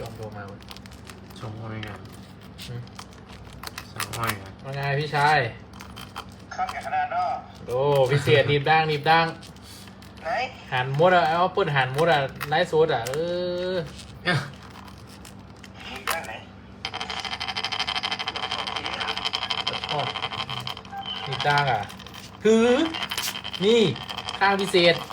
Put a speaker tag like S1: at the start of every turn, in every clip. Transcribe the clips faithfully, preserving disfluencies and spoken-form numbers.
S1: อมโทรมา
S2: ชงห้อยกันสองห้อยกัน
S1: ว่าไงพี่ชาย
S3: ข้ามแข่งขนาดเนาะ
S1: โอ้พิเศษหนีบดังหนีบดัง
S3: ไหน
S1: หันมดอ่ะเอาเปิดหันมดอ่ะไลฟ์สดอ่ะเออ
S3: มีด้านไหน
S1: อ๋อหนีบดังอ่ะถือนี่ข้างพิเศษ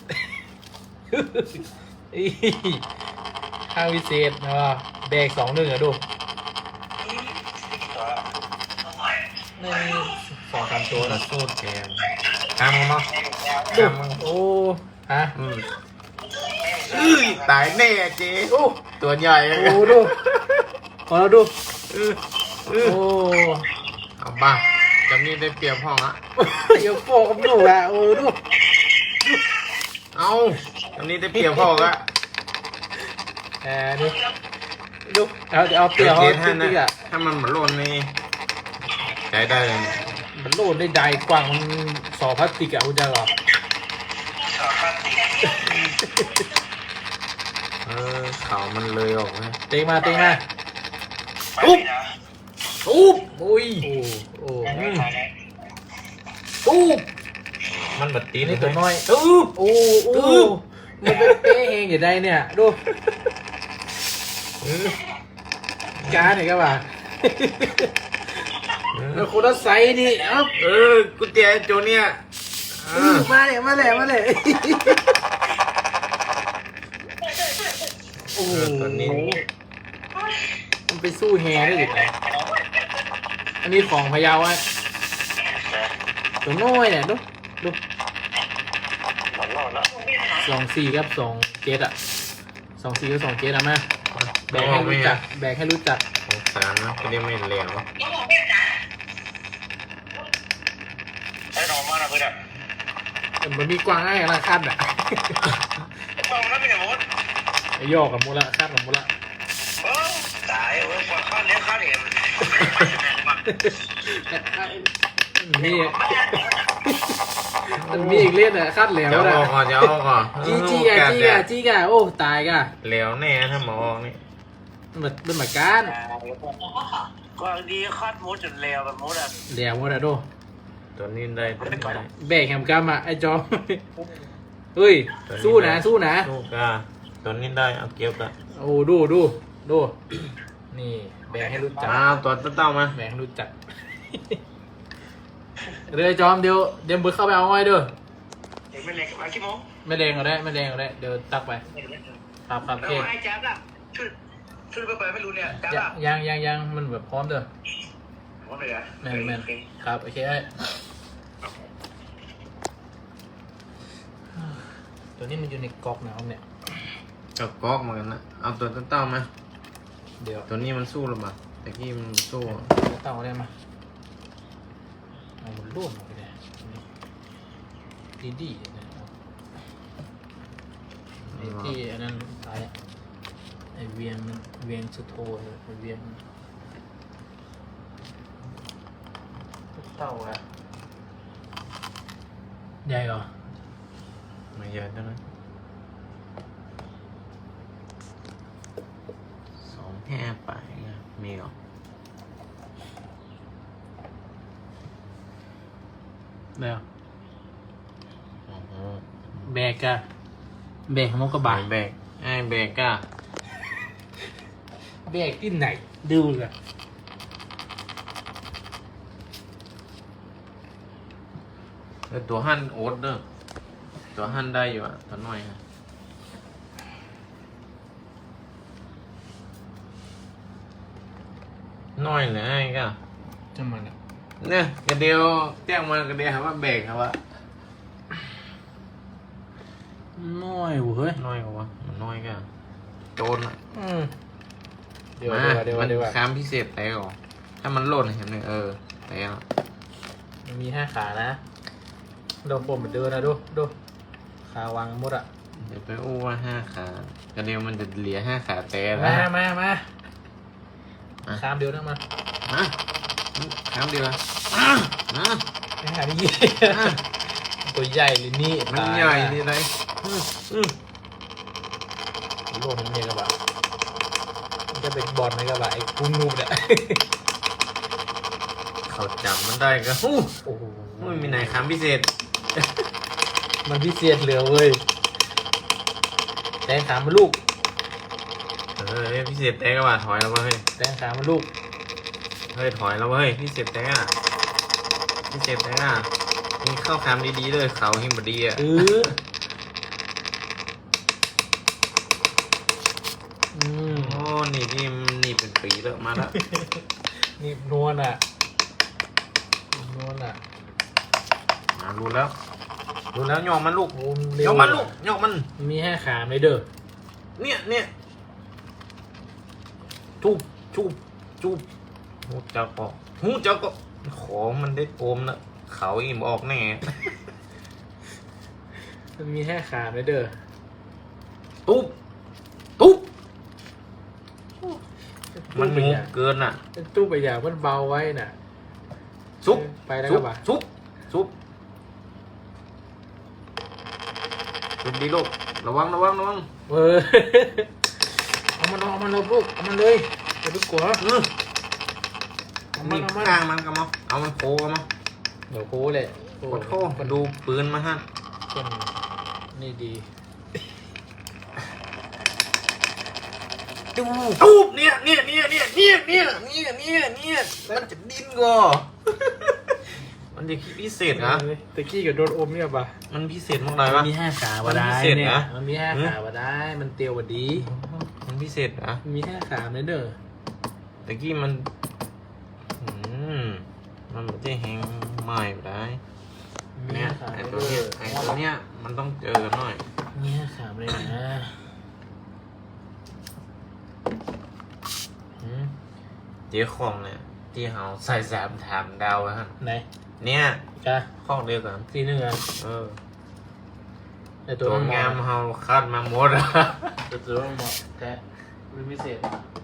S1: อีข้างพิเศษนะว่าแบกสองหนึ่งอ่ะดู
S3: ตัว
S1: หนึ่งสองสามตัว
S2: ตัว
S1: นะ
S2: สู้แกมข้ามมึงมั้ง
S1: ดูโอ้ฮะ
S2: อืมอื้อตายแน่เจ๊
S1: โอ้
S2: ตัวใหญ่
S1: โอ้ดูขอเราดู
S2: เออเอ
S1: โอ้
S2: อเอาบ้าจำนี่ได้เปรียบห้องละ
S1: เดี๋ยวโฟกับดูอ่ะโอ้ดู
S2: เอาจำนี่ได้เปรียบห้องละ
S1: แอร์นี่ดูเอาเดี๋ยวเอาเปลี่ยน
S2: เจ๊
S1: เอา
S2: ท่าน
S1: จริงๆ
S2: นะ
S1: อ่ะ
S2: ถ้ามันเหมือนหล่นนี่ใจได้เลย
S1: มันโลดได้ใดกว้างมันสอพลาสติกอ่ะคุณจะหรอ
S3: สองพันสี่
S2: เออเขามันเลยออกนะ
S1: เต็งมาเต็งมา
S3: อุ๊บ
S1: อุ๊บอุ้ยโอ้โอ้อืมอุ๊บ
S2: มันบัดตี
S1: นี่
S2: นี่
S1: ตั
S2: ตัว ว
S1: น้
S2: น้
S1: อ
S2: อย ย
S1: อุ๊บโอ้โอ้มันเป็นเป๊ะเองอย่างใดเนี่ยดู
S2: เออ
S1: การเนี่ยก็ว่าแล้วคนละไซส์นี่เอ้า
S2: เออกุญแจโจเนี่ยอ่า
S1: มาเลยมาเลยมาเลยโอ้โห
S2: เออตัวนี้
S1: มันไปสู้แฮได้ยังไงอันนี้ของพะเยาอ่ะตัวน้อยเนี่ยดูดู
S3: หมดรอดแล้ว
S1: สองสี่กับสองเจ็ดอ่ะสองสี่กับสองเจ็ดอ่ะมาแบกให้รู้จักแบกให้รู้จัก
S2: สงสารนะก็เรียกไม่เร็ว
S3: ไอ้น้องมาแล้วเพื่อน
S1: แต่มันมีกวางง่ายอะไรคาดอ่ะ
S3: มองแล้วไม่เห็นหมด
S1: ไอ้ยอกกับมูละคาดกับมูละ
S3: เออตายเว้ยกว่าข้าวเลี้ยงข้าวเหนียว
S1: นี่มันมีอีกเล่นอ่ะคาดเหลว
S2: จะ
S1: นะ
S2: ออกก่อนจะออกก่อน
S1: จี้จี้อ่ะจี้อ่ะจี้อ่ะโอ้ตายก่ะ
S2: เหลวแน่ถ้าหมอออกนี่
S1: มันแบบมันเหมือนกัน
S3: กว่าดีคอดมุดจนเลวแบบมุดอ่ะ
S1: เหลวหมดอ่ะดู
S2: ตัวนี้ได้ตัวนี้ได้
S1: แบกแฮมกัมอ่ะไอ้จอมเฮ้ยสู้นะสู้นะ
S2: สู้กาตัวนี้ได้เอาเก็บละ
S1: โอ้ดูดูดูนี่แบกให้รู้จัก
S2: มาตัวเต้ามา
S1: แบกให้รู้จักเรือจอมเดี๋ยวเดี๋ยวมึงเข้าไปเอาไว้เด้อ
S3: เด็กไม่เล็กมากี่โมง
S1: ไม่แดงก็ได้ไม่แดงก็ได้เดี๋ยวตักไปครับครับ
S3: แล้
S1: เคว
S3: ไอ้แจ๊บล่ะช่วยช่วยไปเปิดไม่รู้เนี่ยแจ๊บ
S1: ยั
S3: ล่ะ
S1: งยังยังยังมันแบบพร้อมเด้อ
S3: ว่าไงอ่ะ
S1: แมนแมนครับโอเคไอ้ตัวนี้มันอยู่ในก๊อกนะครับเนี่ย
S2: จับก๊อกเหมือนกันนะเอาตัวเต้ามา
S1: เดี๋ยว
S2: ตัวนี้มันสู้หรือเปล่าแต่กี้มันสู้
S1: เต่าได้มาเอามันร่วมไปเลยดีดีๆนะไอ้ที่อันนั้นตายอะไอเวียนมันเวียนสุดโทเลยไอเวียนเต่าอะใหญ่เหรอ
S2: ไม่เยอะเท่านั้นสองแห่ไปนะมีเหรอ
S1: เดี๋ยว
S2: โอ้โห
S1: แบกอะแบกของนกกระบา
S2: แบกไอ้แบกก้า
S1: แบกที่ไหนดูเลย
S2: เออตัวหั่นโอ๊ตเด้อตัวหั่นได้อยู่อ่ะตัวน้อยฮะน้อยเลยไอ้ก้า
S1: จะมันอะ
S2: เนี่ยกระเดียวแจ้งมากระเดียวครับว่าแบกครับว่า
S1: น้อยเว้ย
S2: น้อยกว่ามันน้อยก็โจรอ่ะ
S1: อืมเดี๋ยว
S2: มา
S1: เดี๋ยว
S2: มัน
S1: เดี๋ยว
S2: ค้ามพิเศษไปก่อนถ้ามันหล่นเห็นไหมเออไปแล้ว
S1: มันมีห้าขานะโดนปมเหมือนเดิมนะดูดูขาวางหมดอะ
S2: เดี๋ยวไปอู้ว่าห้าขากระเดียวมันจะเหลือห้าขาแต่
S1: มา
S2: แล้ว
S1: มามา
S2: อ่ะ
S1: ข้ามเดียวนะมา
S2: มาค้ามเดียวอ่ะอ่ะอ่ะ
S1: ไอ้หานี่
S2: อ่ะ
S1: ตัวใหญ่เลยนี่
S2: มัน
S1: ตาย
S2: ใหญ่นี่ไรอืมอืม
S1: โลกมันเนี่ยกระบะจะเป็นบอลไหมกับว่าไอ้กูงูเนี่ย
S2: เขาจับมันได้ก็ฮู้
S1: โอ้โห
S2: ไม่มีไหนคำพิเศษ
S1: มันพิเศษเหลือเว้ยแตงขามาลูก
S2: เออพิเศษแต่ก็ว่าถอยแล้วเว้ย
S1: แตงขามาลูก
S2: เฮ้ยถอยแล้วเว้ยพิเศษแต่อะพิเศษแต่อะมีเข้าคำดีๆเลยเขาหิมบดีอ่ะ
S1: เอออืม
S2: โอ้นี่นี่นี่เป็นปีแล้วมาแล้ว
S1: นี่นวลอ่ะนวลอ่ะ
S2: มารู้แล้วรู้แล้วยอมมันลูก
S1: โอ้
S2: ยอมมันลูกยอมมัน
S1: มีแค่ขาไม่เด้อ
S2: เนี่ยเนี่ยจูบจูบจูบหูเจ้าก็หูเจ้าก็ขอมันได้โกมนะเขาอิ่มออกแน่
S1: มันมีแค่ขาไม่เด้อ
S2: ตุ๊บตุ๊บมัน
S1: ไป
S2: ง
S1: อก ย่าง
S2: เกินอ่ะ
S1: ตู้ไปอย่างมันเบาไว้น่ะ
S2: ซุบ
S1: ไปแล้ว
S2: ซุ
S1: ก็
S2: บ
S1: บ่า
S2: ซุบซุบซุบดีลูกระวังระวังระวัง
S1: เออ เอามันเอามันเลยลูกเอามันเลยอย่าไปกลัว
S2: อือ
S1: เอามัน
S2: นี่
S1: เอามัน
S2: ข้างมันกันมั้งเอามันโผล่กันมั้ง
S1: เดี๋ยวโค้เลย
S2: ขอโทษมาดูปืนมาฮะ
S1: คนนี่ดี
S2: ดูตูบเนี่ยเนี่ยเนี่ยเนี่ยเนี่ยเนี่ยเนี่ยเนี่ยเนี่ยมันจะดิ้นก็ มันจะคิดพิเศษนะ
S1: ตะกี้กับโดนอมเนี่ยป่ะ
S2: มันพิเศษมากเลยปะ
S1: มีห้าขาว่าได้
S2: มันพิเศษ
S1: เนี่ย
S2: นะ
S1: มันมีห้าขาว่าได้ มันเตียวว่าดี
S2: มันพิเศษนะ
S1: มันมีห้าขาไม่เด้อ
S2: ตะกี้มันอืมมันไม่ได้แหงใหม่ได้
S1: มี
S2: เนี่ย
S1: ห้าขา
S2: ไอ
S1: ไม่
S2: ตัว
S1: เด้
S2: เนี้ย
S1: อ
S2: ไอตัวเนี้ยมันต้องเจอกันหน่อย
S1: มีห้าขาไม่ได้นะหืม
S2: เจ๊ของเนี่ยที่เขาใส่สามถามดาวอะฮะ
S1: ไหน
S2: เนี่ย
S1: จ้า
S2: ข้องเดียวกัน
S1: สีหนึ่งอ่ะ
S2: เออ
S1: แต่ตั
S2: ตัว ว
S1: มัน
S2: งาม
S1: เหมาะ
S2: เขาคัดมาหมดอะ
S1: แต่ตัวมันเหมาะแต่เป็นพิเศษ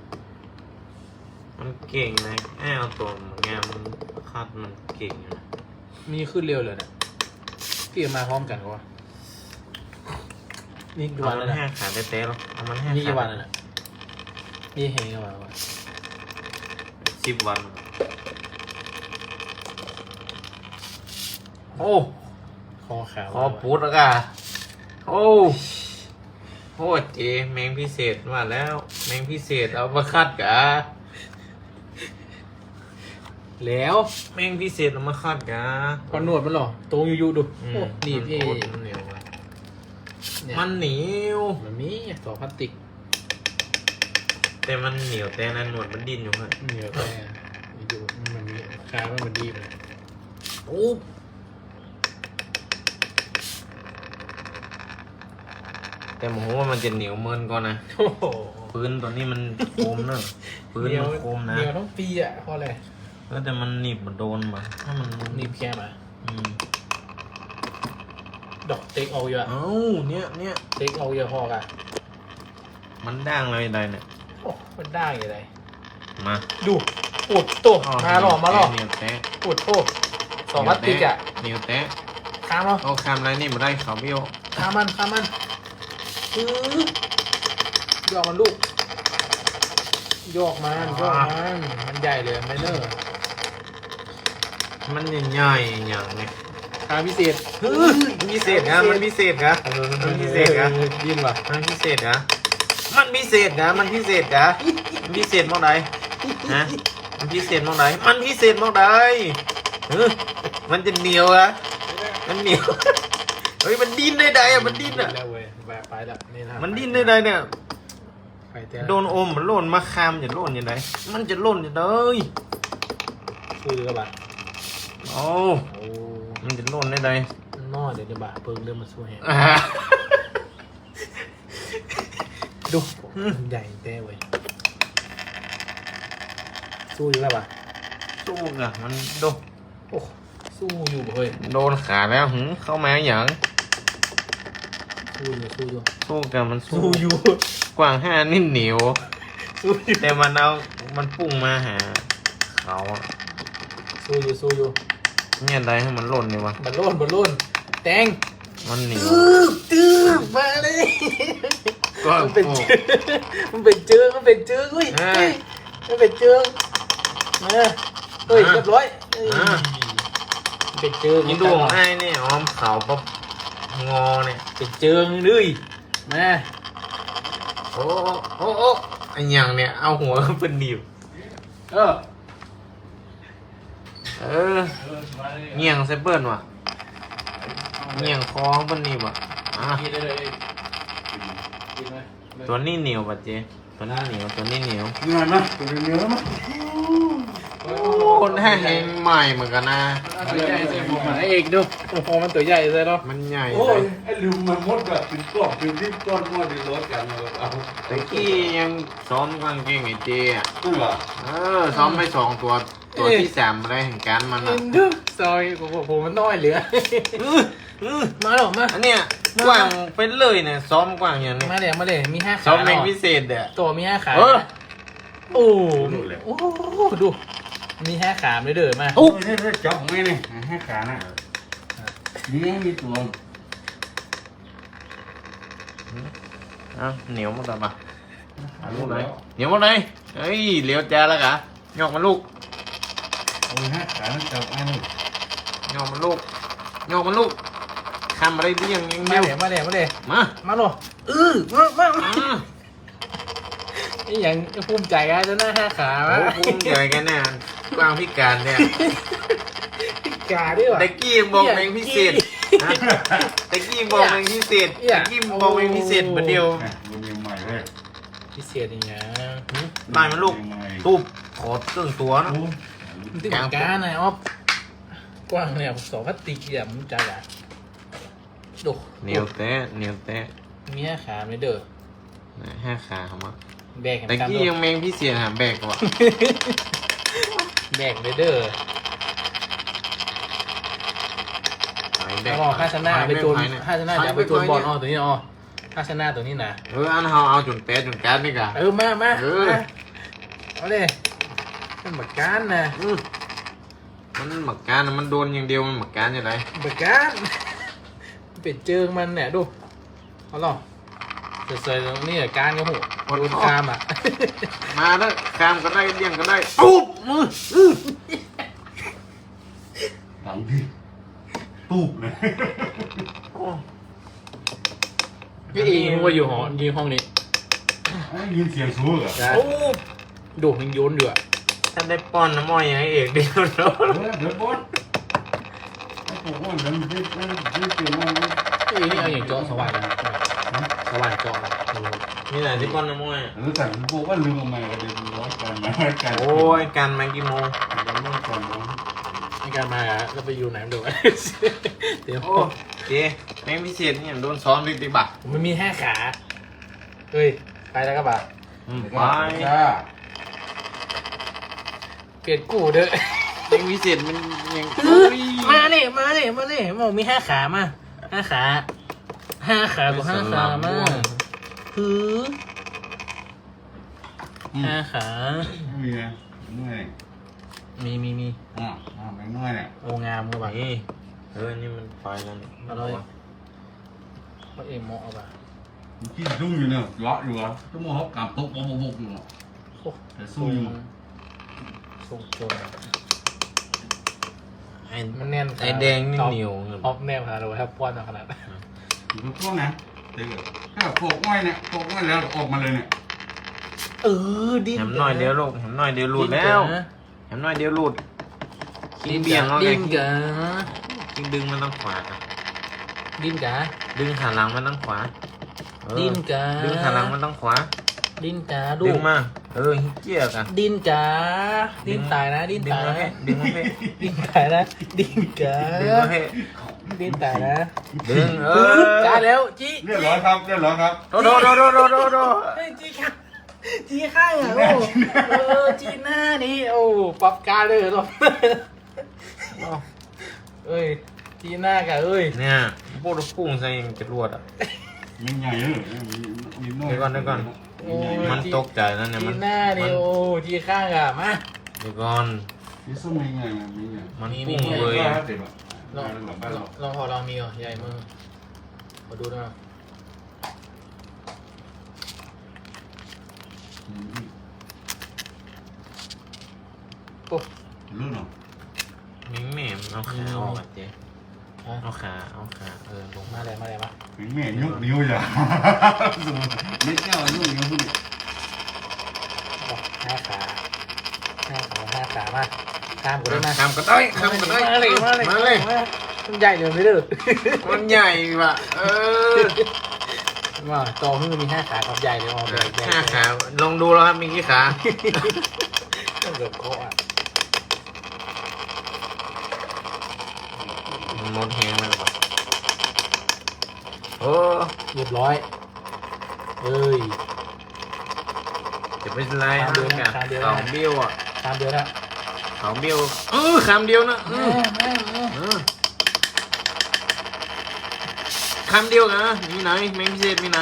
S2: มันเก่งนะแอ้เอาตัวงามมันคัดมันเก่งนะ
S1: มีขึ้นเร็วเลยเนี่ยที่มาพร้อมกันก็ว่านี่กี่
S2: เอา
S1: วัน
S2: มั
S1: แล้ว
S2: นแห้
S1: นะ
S2: ขาเต้ๆหรอกเอามันแห้
S1: นี่กี่
S2: ขา
S1: วันแล้วนะนี่เฮงกี่วันวะ
S2: สิบวัน โอ้
S1: คอขาว
S2: ขอพูดแล้วกันโอ้โหเจแมงพิเศษมาแล้ว แมงพิเศษเอามาคัดกะ
S1: แล้ว
S2: แมงพิเศษเอามาคัดกะ
S1: พอหนวดมันหรอตรงอยู่ๆดู
S2: อืม
S1: โอ้นี่พี่
S2: มันเหนียวอะ
S1: เนี่ย
S2: มันเหนียว
S1: มันมีต่อพลาสติก
S2: แต่มันเหนียวแต่นั้นหนวดมันดิ้นอยู่ฮะ
S1: เหนียวแต่อยู่มันมีคามันมันดีเลย
S2: โอ้แต่ผมว่ามันจะเหนียวเมินก่อนนะ
S1: โอ้โห
S2: ปืนตัวนี้มันโคมเนอะปืน
S1: เหนียว
S2: มันโคมนะ
S1: เหนียวต้องปีอ่ะเพราะอะไร
S2: แล้วแต่มันหนีบมันโดนมาถ้ามัน
S1: หนีบแค่มา
S2: อืม
S1: ดอกเต็กเอาเยอะ
S2: เอ้าเนี่ยเนี่ย
S1: เต็กเอาเยอะพอกอ่ะ
S2: มันด่างเลยใดเนี่ย
S1: โอ้มันได้ยังไง
S2: มา
S1: ดูปวดตัว
S2: อ๋อ
S1: มาหล่อมาหล่อ
S2: เหนียวแตะ
S1: ปวดโอ้สองพลาสติกอ่ะ
S2: เหนียวแตะ
S1: ข้ามเนาะ
S2: เอาคำอะไรนี่มาได้เขาเบี้ยว
S1: ข้ามมันข้ามมันอื้อยอกมันลูกยอกมันยอกมันมันใหญ่เลยไม่เนอร์
S2: มันใหญ่ๆอย่างเนี้ย
S1: คาพิเศษ
S2: มันพิเศษนะมันพิเศษนะ มันพิเศษนะ
S1: ยินว่ะ
S2: มันพิเศษนะมันพิเศษนะมันพิเศษนะมันพิเศษมากใดฮะมันพิเศษมากใดมันพิเศษมากใดเออมันจะเหนียวอะมันเหนียวเฮ้ยมันดิ้นได้ใดอะมันดิ้นอะ
S1: แล้วเว้ยแบบไปแล้วนี่นะ
S2: มันดิ้นได้ใดเนี่ย
S1: ไปแต่
S2: โดนอมมันหล่นมาคามจะหล่นยังไงมันจะหล่นยังไง
S1: คุยกับบัตร
S2: โอ้
S1: โอ้
S2: มันจะหล่นได้ใด
S1: นอเดี๋ยวจะบ่าเพิ่งเริ่มมาสู้แฮะ
S2: อ่า
S1: ดูใหญ่เต้เว้ยสู้อยู่แล้วป่ะ
S2: สู้อะมันโดน
S1: โอ้สู้อยู่เฮ้ย
S2: โดนขาแล้วหึเข้ามาอย่าง
S1: สู้อยู่สู้อยู่
S2: สู้กันมันสู้
S1: สู้อยู่
S2: กว้างห้านิ่เหนียว
S1: สู้อยู่
S2: แต่มันเอามันปุ่งมาหาเขาอะ
S1: สู้อยู่สู้อยู่
S2: เนี่ยอะไรให้มันหล่นดีวะ
S1: บัลโล่นบัลโล่นแตง
S2: มันเหนียว
S1: ตื้อตื้อมาเลย
S2: กว้าง
S1: มันเป็น
S2: โอ้
S1: เจือมันเป็นเจือมันเป็นเจืออุ้ย
S2: อ่า
S1: เฮ้ยมันเป็นเจือมาเฮ้ย
S2: อ่า
S1: เรียบร้อยเฮ้ย
S2: อ่า
S1: มันเป็นเจือ
S2: นี่ดูของไอ้นี่ออมเขาปั๊บงอเนี่ย
S1: เป็นเจือเลยมา
S2: โอ้โอ้โอ้ไอ้หยังเนี่ยเอาหัวเป็นหนีบ
S1: เออ
S2: เออเงี่ยงเซเปิลว่ะเงี่ยงคอเป็นหนีบว่ะอ่ะ
S1: กินได้เลยกินไหม
S2: ตัวนี้เหนียวป่ะเจ๊ตัวนี้เหนียวตัวนี้เหนียว
S4: เหนื่อยไหมตัวเหนื่อยไหม
S2: คนให้แหงใหม่เหมือนกันนะ
S1: ตัวใหญ่ใส่หมวกหมาเอกดูโอ้โหมันตัวใหญ่เลยเนาะ
S2: มันใหญ่
S4: โอ้
S2: เลย ย
S4: ไอ้ลืมมันมดแบบเป็นกรอบเป็นที่ก้อนม้วนในรถกันเลยเอา
S2: ตะกี้ยังซ้อมกางเกงไอ้เจ๊อะ
S4: ตู้เหรอ
S2: เออซ้อมไปสองตัวตัวที่สามอะไรแห่งการมัน
S1: เอ็
S2: อ่ะ
S1: นดูซอยของผมมันน้อยเหลือ
S2: อื้ออื้อ
S1: มาหรอมา
S2: อันเนี้ยกว้างเป็นเลยเนี่ยซ้อมกว้างอย่างนี้
S1: มาเลยมาเลยมีห้าขา
S2: ซ้อมแมง
S1: เนาะ
S2: พิเศษเด้อ
S1: ตัวมีห้าขา
S2: เออ
S1: โอ้โหโอ้โหดูมีห้าขาเลยเด้อมา
S4: โอ้ยนี่นี่จับของไงนี่ให้ขาน่ะนี่มีตัว
S2: เอาเหนียวหมดแล้วปะเอาลูกไหนเหนียวหมดเลยเฮ้ยเหลียวจ้าแล้วกะยอกมันลูก
S4: โอ้ยให้ขาจับไอ้นี่
S2: ยอกมันลูกยอกมันลูกทำอะไรเบี้ยงยัง
S1: มา
S2: เดียว
S1: เลยมาเลยมาเลย
S2: มา
S1: มาหรอเออมามามา
S2: อืม
S1: นี่อย่างภูมิใจกันจะหน้าห้าขา
S2: โอ้
S1: วะ
S2: ภูมิใจกันเนี่ยกวางพิการเนี่ย
S1: กาด้วยวะ
S2: ตะกี้ยังบอกเพลงพิเศษฮะตะกี้ยังบอกเพลงพิเศษ
S1: เหี้ย
S2: ตะกี้บอกเพลงพิเศษเหมือนเดียว
S4: มันยังใหม่เลย
S1: พิเศษอย่างเงี้ย
S2: ตายมันลูกตูบขอตึงตัวนะ
S1: มันติดกานะอ๊อฟกว้างเนี่ยสองพลาสติกเนี่ยมันใจอ่ะดู
S2: เหนียวแตะเหนียวแตะ
S1: มีห้าขาไม่เด้อ
S2: ห้าขาครับมา
S1: แบกกัน
S2: ตะกี้ยังแมงพิเศษหาแบกว่ะ
S1: แบกไม่เด้อ
S2: หายแบ
S1: แล้
S2: ก
S1: วก็ห้าชนะไปโจน
S2: หายเนี่ย
S1: ห้าชนะจะไปโจนบอลอ๋อตัวนี้อ๋อห้าชนะตัวนี้นะ
S2: เอออันเฮาเอาจนแตะจนการดนี่กะ
S1: เออมามา
S2: เออ
S1: มาเอาเลยเป็นบักการนะ
S2: อืมมันหมักการนะมันโดนอย่างเดียวมันหมักการยังไง
S1: บักการเป็นเจิงมันเนี่ยดูเอาหรอเสยๆตรงนี้การก็หูโดนคามอ่ะ
S2: มาแล้วคามก็ได้เลี้ยงก็ได้ปุ๊บมืออื้อ
S4: หลังพี่ตูบเลย
S2: โอ้
S1: พี่เองว่าอยู่ห้องยืนห้องนี้
S4: ไอ้ยินเสียงสูงเหรอ
S1: นะดูมันโยนอยู่อ่ะ
S2: ถ้าได้ป้อนน้ำมอยอย่างไอ้เอกเดียวเนาะ
S4: เดี๋ยวเดี๋ยวบอสไอ้พวกมันมันที่ที่เสียงมัน
S1: พี่นี่เอาอย่างเจาะสว่านนะสว่านเจาะ
S2: นี่แหละที่ป้อนน้ำมอย
S4: เออแต่พวกว่าลืมมาก็เดี๋ยวร้อยกันนะกัน
S2: โอ้ยการมากี่โมง
S4: ยังไม่ก่อนนะ
S1: ในการมาอ่ะแล้วไปอยู่ไหนดูเดี๋ยว
S2: โอ้เจ๊แมงพิเศษนี่โดนซ้อมดิติบัก
S1: มันมีห้าขาเฮ้ยไปแล้วก็บ่า
S2: อืม
S4: ไป
S2: ไป
S4: จ้า
S1: เปลี่ยนกูเด้อ
S2: แมงพิเศษมันยัง
S1: มาเนี่ยมาเนี่ยมาเนี่ยมองมีห้าขามาห้าขาห้าขากับห้าขามาหือห้าขา
S4: มีนะเมื่อย
S1: มีมีมี
S4: อ่ะอ่ะไม่เมื่อยเนี่ย
S1: โองามก็บ่า
S2: นี่เออนี่มันไฟแล้วนี่
S1: อร่อยก็เอ็มโมเอาบ่า
S4: ที่ซุ่มอยู่เนี่ยเลาะอยู่อ่ะต้องมองเขากำตกบกบกอยู่
S1: โอ้
S4: แต่สู้อยู่
S1: ทรงโจร
S2: ไอ้
S1: มันแน่น
S2: ไอ้แดงนี่เหนียวเงิน
S1: ออฟแนวค่ะเราแทบป้อนมาขนาดนั้น
S4: อยู่พวกนั้นเด็กถ้าโขกง่อยเนี่ยโขกง่อยแล้วออกมาเลยเนี่ย
S1: เออดิ้น
S2: แหมหน่อยเดียวลูกแหมหน่อยเดียวหลุดแล้วแหมหน่อยเดียวหลุดคิงเบี่ยงแล้วไง
S1: ดิ้นกะ
S2: คิงดึงมันต้องขวาอะ
S1: ดิ้นกะ
S2: ดึงขาหลังมันต้องขวาเออ
S1: ดิ้นกะ
S2: ดึงขาหลังมันต้องขวา
S1: ดิ้นกะดู
S2: ดึงมาเออฮิเกียกัน
S1: ดิ้นกะดิ้นตายนะดิ้น
S2: ดึง
S1: ตาย
S2: มา
S1: นะ
S2: ให้ดึงมาให้
S1: ดิ้นตายนะดิ้นกะ
S2: ดึงมาให้
S1: ดิ้นตายนะ
S2: ดึงเอ
S1: เอ
S2: อ
S1: อจ้าแล้วจี
S4: เรียบร้อยครับเรียบร้อยครับ
S2: โดโดโดโดโดโดโด
S1: เฮ้ยจีข้างจีข้างอ่ะโอ้เออจีหน้านี่โอ้ปรับการเลยหรอเอ้ยจีหน้ากะเอ้ย
S2: เนี่ยพวกเราพุ่งใส่ยังจะรวดอ่ะ
S4: มีใหญ่เลยมีน้อย
S2: เดี๋ยวก่อนเดี๋ยวก่อน มันตกใจแล้วเนี่ย
S1: จี
S2: มัน
S1: หน้านี่
S2: มัน
S1: โอ้จีข้างอ่ะมา
S2: เดี๋ยวก่อน
S4: มีส้มมีใหญ่มีใหญ่
S2: มัน
S1: มี
S2: พุ่ง
S1: มี
S2: เลย
S4: ก็
S2: อะ
S4: เด็กอ่ะ
S1: ลองลองลองพอลองมีเหรอใหญ่มือขอดูหน่อย
S4: อืม
S1: โอ้
S4: รู้เนาะ
S2: มิงแม่มเอาขาออกอ่ะเจ๊
S1: ฮะ
S2: เอาขาเอาขาเออลง
S1: มา
S2: มา
S1: เลยมาเลยมา
S4: แม่ยกนิ้วอย่าเล็กเจ้ายกนิ้วพูด
S1: บอกห้าขาห้าขาห้าขามาข้ามกูได้มา
S2: ทำก็ได้ทำก็ได้
S1: มาเลยมาเลย
S2: มาเลย
S1: มันใหญ่เดี๋ยวไม่เด้อ
S2: มันใหญ่ว่ะเออ
S1: ว่าโตขึ้นมีห้าขากับใหญ่เลยอ๋อใหญ่ใหญ่
S2: ห้าขาลองดูแล้วครับมีกี่ขา
S1: ต้องเกือบโคอ่ะ
S2: มันหมดแหงแล้วป่ะโอ้
S1: เรียบร้อยเอ้ย
S2: จะเป็นไร
S1: ขา
S2: ฮะ
S1: เดียวนะ
S2: เนี่ย
S1: ขาเดียวนะ
S2: เขาเบี้ยวอ่ะ
S1: ตามเดียวนะ
S2: เขาเบี้ยวเออคำเดียวนะเอ
S1: แม่
S2: อ
S1: แม่แม่
S2: เออคำเดียวนะมีไหนแมงพิเศษมีไหน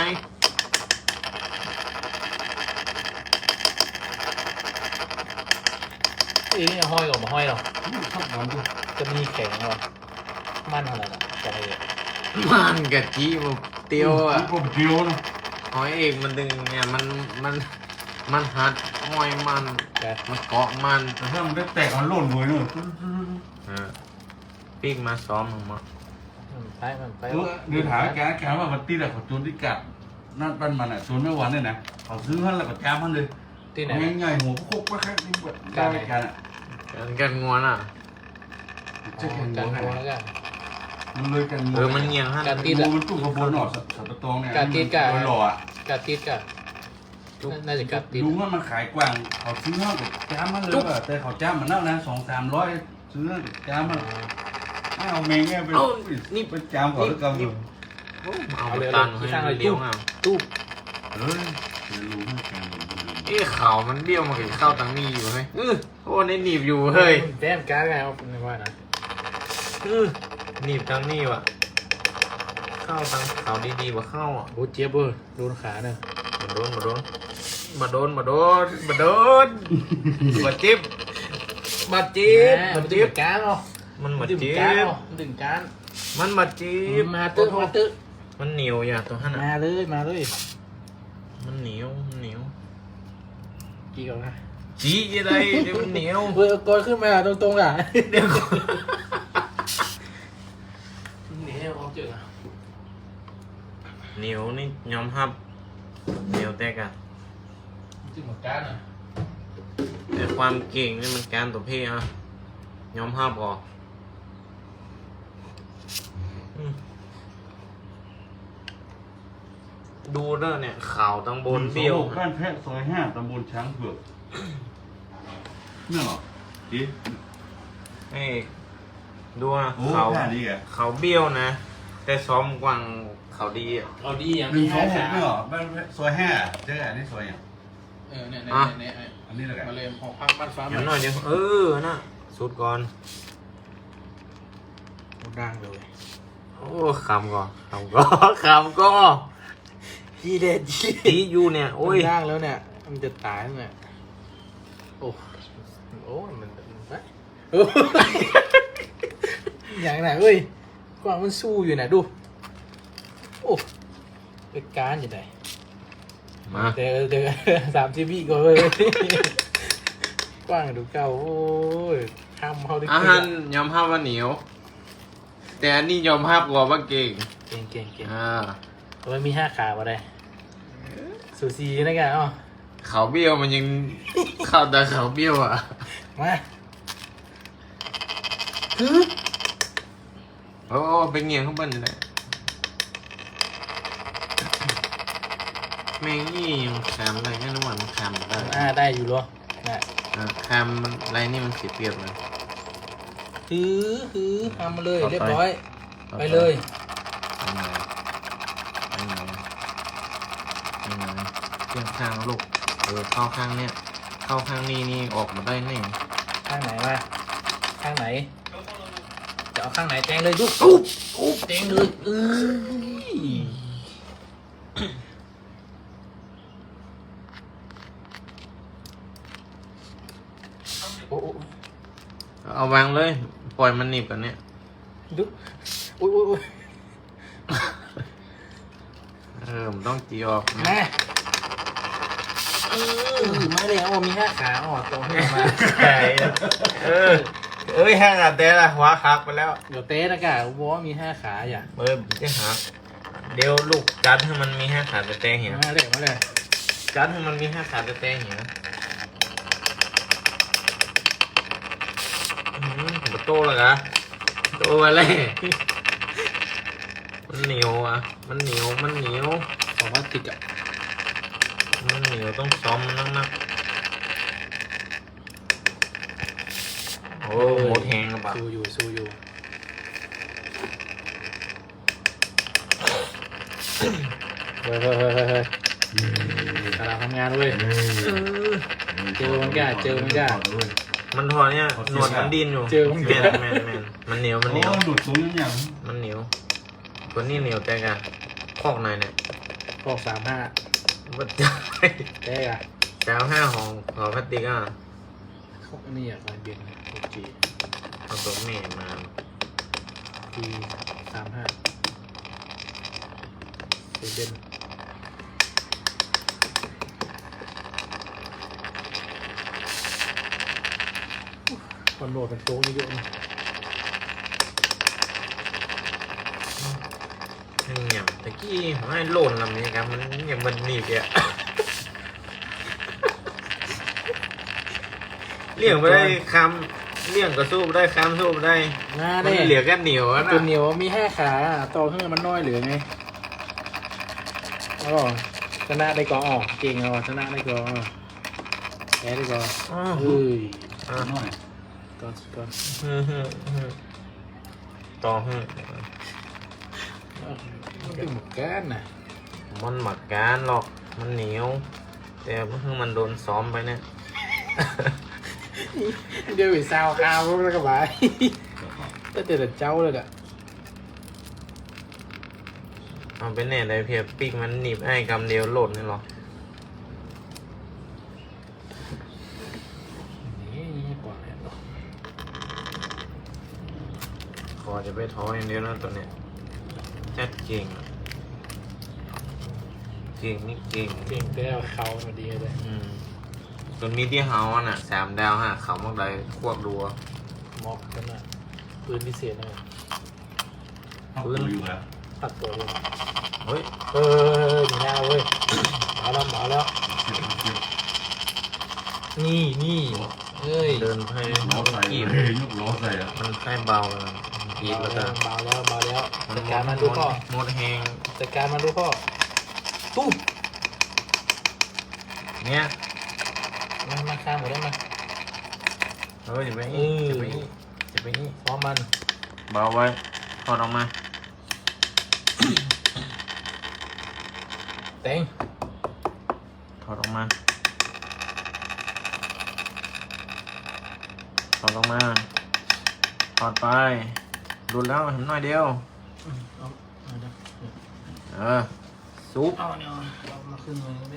S1: อีนี่ห้อยหรอมาห้อยหรอ
S4: ชอบมันด้วย
S1: จะมีแข็งหรอมันอะไรนะจะอะไร
S2: มันกะจีบเตียวอ่ะ
S4: ก็เดียวนะ
S2: หอยเอกมันดึงเนี่ยมันมันมันหัดห้อยมัน
S1: แก
S2: มันเกาะมัน
S4: แต่ถ้ามันได้แตกมันหล่นเลยเนอะ
S2: อ่าปีกมาซ้อมมึงมา
S1: มันไปมันไป
S4: เออเดี๋ยวถามแกแกว่ามันตีแต่ขอจูนที่กัดนั่นปั้นมันอ่ะจูนไม่หวานเลยนะเขาซื้อให้แล้วก็จ้ามันเลย
S1: ที่ไหน
S4: ง่ายๆหัวโคกไปแค่นี้แบบได้กันอ่ะ
S2: กันกันงวนอ่ะ
S4: จะแข่ง
S1: กั
S4: หั
S1: น
S4: ว
S1: โกแล้วกัน
S4: มันเลยกัน
S2: เออมันเงียงฮะ
S1: กัน
S4: งูมันตุ้งกระบวนหน่อสับปะตองเนี่ยหล่ออ่ะ
S1: กัดติดกัดน่าจะกัดติด
S4: ลุงว่ามันขายกว้างเขาซื้อห้องกับจ้ามันเลยว่ะแต่เขาจ้ามันเน่านะสองสามร้อยซื้อจ้ามันเอาเมงเงี้ยไปนี่ไปจ้าเขาแล้วกัน
S2: เอาไปตันให้เลี้ยวเอา
S1: ตู้
S4: เฮ้ยลุงให้แกง
S2: เอ้เขามันเบี้ยวมาถึงเข้าตังนี้อยู่เฮ้ยเออโอ้ในหนีบอยู่เฮ้ย
S1: แต้มการ์ดไงว่าเป็นว่านะ
S2: เออหนีบตังนี้ว่ะเข้าตังเขาดีๆว่าเข้าอ่ะ
S1: โอ้เจี๊ยบเออโดนขาเนี่ย
S2: มาโดนมาโดนมาโดนมาโดนมาโดนมาจิ๊บมาจิ๊บ
S1: มั
S2: มาน
S1: ดึ
S2: จิ๊
S1: ง
S2: บ
S1: การ์ดเนาะ
S2: มันมา
S1: ดึง
S2: จิ๊
S1: การ์ด
S2: บ
S1: เนาะดึงการ์ด
S2: มันมาจิ๊บ
S1: มาตึ๊มาตึ๊
S2: มันเหนียวอย่าตัวหันอ่ะ
S1: มาเลยมาเลย
S2: มันเหนียวมันเหนียว
S1: กี่ก่อนนะ
S2: จี้อะไรเดี๋ยวมันเหนียว
S1: เออกดขึ้นมาตรงๆอ่ะ
S2: เดี๋ยวก่อน
S1: หนีให้เขาเจออ่ะ
S2: เหนียวนี่ยอมรับเหนียวแต่กะ
S1: ดึงหมดการ์ดอ่ะ
S2: แต่ความเก่งนี่มันการตัวพี่อ่ะยอมรับก่อนอืมดูเด้อเนี่ยข่าวตั้งบนเบี้ยว
S4: บ้านแพะซอยห้าตำบลช้างเผือกนี่หรอจี
S2: เอ้ยดูนะ
S4: โอ้
S2: เขา
S4: แค่นี้แก
S2: เขาเบี้ยวนะ แต่ซ้อมกวางเขาดีอ่ะ
S1: เอาดีอย่าง
S4: หนึ่
S1: มี
S4: งสอ
S1: ห้าง
S4: หก
S1: ขา
S4: นี่หรอบ้านแพะซอยห้าเจ๊อันนี้ซอยอย่าง
S1: เออเนี่ยเนี่ยเนี่ย
S4: อันนี้แหละแก
S1: มาเลยหอพักบ้านฟ้า
S2: อย่างน้อยเดียวเออน่ะสุดก่อน
S1: ดังเลย
S2: โอ้คำก่อนคำก่อนคำก่อน
S1: จีเด็ดจี
S2: ตีอยู่เนี่ยโอ้ย
S1: ดังแล้วเนี่ยมันจะตายแล้วเนี่ยโอ้โอ้มันไปอย่างไหนเอ้ยกวางมันสู้อยู่นะดูโอ้เป็นการอยู่ไหน
S2: มา
S1: เดี๋ยวเดี๋ยวสามสิบวิก่อนเลยกว้างดูเก่าโอ้ยทำเขาได้
S2: อาหารยอมรับว่าเหนียว แต่อันนี้ยอมรับกว่าว่าเก่ง
S1: เก่งเก่งเก่ง
S2: อ่า
S1: มันมีห้าขาบ่ได้สูสีนะกันอ๋อ
S2: เขาเบี้ยวมันยังเข้าแต่เขาเบี้ยวอ่ะ
S1: มาคือ
S2: โอ้ไปเงียงข้างบนเลยแมงนี่ยังคำอะไรก็นึกว่ามันคำได้
S1: อ่าได้อยู่หรอนะ
S2: อ่าคำมันอะไรนี่มันเสียเปรียบเลย
S1: คือคือทำมาเลย
S2: ต่อไป
S1: เรียบร้อย ไปเลย
S2: ไปไหนไปไหนไปไหนเทียบข้างแล้วลูกเออเข้าข้างเนี้ยเข้าข้างนี้นี่ออกมาได้แน่
S1: ข้างไหนมาข้างไหนจะเอาข้างไหนแจงเลยดูอุ๊บอุ๊บแจงเลยเอ้ยโอ้โอ้
S2: เอาวางเลย ปล่อยมันหนีบกันเนี่ย
S1: ดูอุ้ยอุ้ยอุ้ย
S2: เออมันต้องจีออกนะ
S1: มาไม่เลยเอามีห้าขาอ๋อตรงให้มา
S2: ใช่เออเอ้ยห้างอ่ะแต่ละหัวหักไปแล้ว
S1: เดี๋ยวเต้นะกะบอกว่ามีห้าขาอย่า
S2: เอ้ยจะหักเดี๋ยวลูกจัดให้มันมีห้าขาแต่แต่เหี่ยว
S1: มาเลยมาเลย
S2: จัดให้มันมีห้าขาแต่แต่เหี่ยวอืมผมโตแล้วกะโตมาเลยมันเหนียวอ่ะมันเหนียวมันเหนียว
S1: ของพลาสติกอ่ะ
S2: มันเหนียวต้องซ้อมนักนักโอ้หมดแหงแล้วปะ
S1: สู้อยู่สู้อยู่เฮ้ยเฮ้ยเฮ้ยเฮ้ยเฮ้ยกำลังทำงานเว้ย เจอมันก้าเจอมันก้า
S2: มันถอดเนี่ยหนวดมันดินอยู่
S1: เจอมัน
S2: แม
S1: ก้า
S2: นแมนแมนมันเหนียวมันเหนียว
S4: โอ้หลุดตรงนี้อย่าง
S2: มันเหนียวตัวนี้เหนียวแต่กันคอกในเนี่ย
S1: พอกสามห้า
S2: มันจะ
S1: เต้อะ
S2: แซวห้าของหอพลาสติกอ่ะ
S1: พวกนี่อ่ะมันเบียนโอเค
S2: เอาตัวเมฆมา
S1: ทีสามห้าเซเดนคอนโดเป็นโต๊ะเยอะๆนะ
S2: เนี่ยตะกี้ไม่โหล่นลำนี้ครับมันยังมันหนีบอ่ะ เลี่ยงไปได้คำเลี่ยงก็สู้ไม่ได้คำสู้ไม่ได้
S1: หน้า
S2: มัน
S1: ได้
S2: เหลือแค่เหนียวนะ
S1: ตัวเหนียวมีห้าขาต่อขึ้นมันน้อยเหลือไงอ๋อชนะได้ก่อนอ๋อเก่งอ่ะชนะได้ก่อนแพ้ได้ก่อน
S2: อ้าว
S1: เฮ้ย
S2: อ่ะ
S4: น้อย
S1: ก่อนก่อน
S2: ฮึ่มฮึ่มฮึ่มต่อฮึ่ม
S1: มันเป็นหมกก้านน่ะ
S2: มันหมักการหรอกมันเหนียว แต่เพิ่งมันโดนซ้อมไปเนี่ย
S1: เดี๋ยวไปซาวข้าวแล้วก็ไปแต่เด็ดเจ้าเลยอ่ะ
S2: เอาไปแน่เลยเพียปีกมันหนีบไอ้กำเดียวโหลดนี่หรอ
S1: นี่นี่กว่าแล้วเนาะ
S2: ขอจะไปท้ออย่างเดียวนะตัวเนี้ยจัดเก่งอะเก่งนี่เก่ง
S1: เก่งได้เอาเขามาดีเลย
S2: อืมตัวนี้ที่เฮาอ่ะน่ะสามดาวฮะเขามากเลยควบรัว
S1: มอกกันน่ะปืนพิเศษนะ
S4: เอาตัวอยู่แล้ว
S1: ตัดตัวเลย
S2: เฮ้ย
S1: เออดีหน้าเว้ยมาแล้วมาแล้ว
S4: เจ็บเจ็บ
S1: นี่นี่เอ้ย
S2: เดินไป
S4: ล้อใส่
S2: กีบ
S4: เลยยกล้อใส่อะ
S2: มันใกล้เบาเลยกีบ
S1: มา
S2: แล้ว
S1: แล้
S2: ก็
S1: วมาแล้วมาแล้ว
S2: มัน
S1: จัด
S2: หม
S1: การ
S2: ด
S1: มันดูพ่อ
S2: หมดแหง
S1: จัดการมันดูพ่อตู้
S2: เนี่ย
S1: มามาข้ามหมดได้มา
S2: เฮ้ยจะไปนี่
S1: เออ
S2: จะไปนี่จะไปนี่
S1: พร้อมมัน
S2: เบาไว้ถอดออกมา
S1: เต็ง
S2: ถอดออกมาถอดออกมาถอดไปดูแล้วเห็นหน่อยเดียว
S1: เอาเอาเดี๋ยว
S2: เออซุป
S1: เอาเนี่ยเอามาขึ้นเลยเนี่ย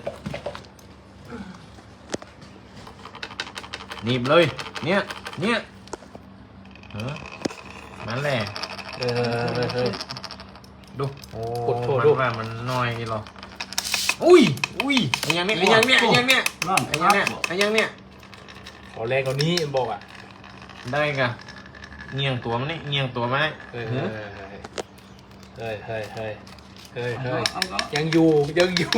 S2: หนีบเลย เนี่ย เนี่ยเออนั่นแหละ
S1: เออเออเออ
S2: ดู โอ้
S1: กดโทษ
S2: มัน
S1: ดู
S2: ว่ามันน้อยหรอ อุ้ย อุ้ยไอ้ยังเนี่ยไอ้ยังเนี่ยไอ้ยังเนี่ย
S4: นั่น
S2: ไอ้ยังเนี่ยไอ้ยังเนี่ย
S1: ขอแรงกว่านี้บอกอ่ะ
S2: ได้กะเงียงตัวมันนี่เงียงตัวมันนี่
S1: เฮ้ย
S2: หื
S1: เฮ้
S2: อย
S1: เฮ้ยเฮ้ยเฮ้ยเฮ้ยเฮ้ย
S4: เอาเอา
S1: ยังอยู่ยังอยู่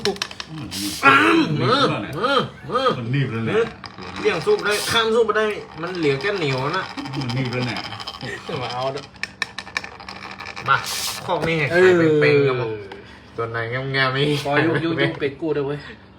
S4: มือ
S2: มือมือมือ
S4: มันนีบเลยแหละ
S2: เลี้ยงซุปได้ข้ามซุปไปได้ มันเหลือแค่เหนียวนะ
S4: มันนีบเลยเนี่ย
S1: มาเอาเด้อ
S2: มาข้อนี้ให้
S1: เอ
S2: ใคร
S1: อ
S2: เป็นๆกันหมดตัวไหนงามๆนี่
S1: พอยุยุยุเป็ดกูเด้อเว้ย
S2: เ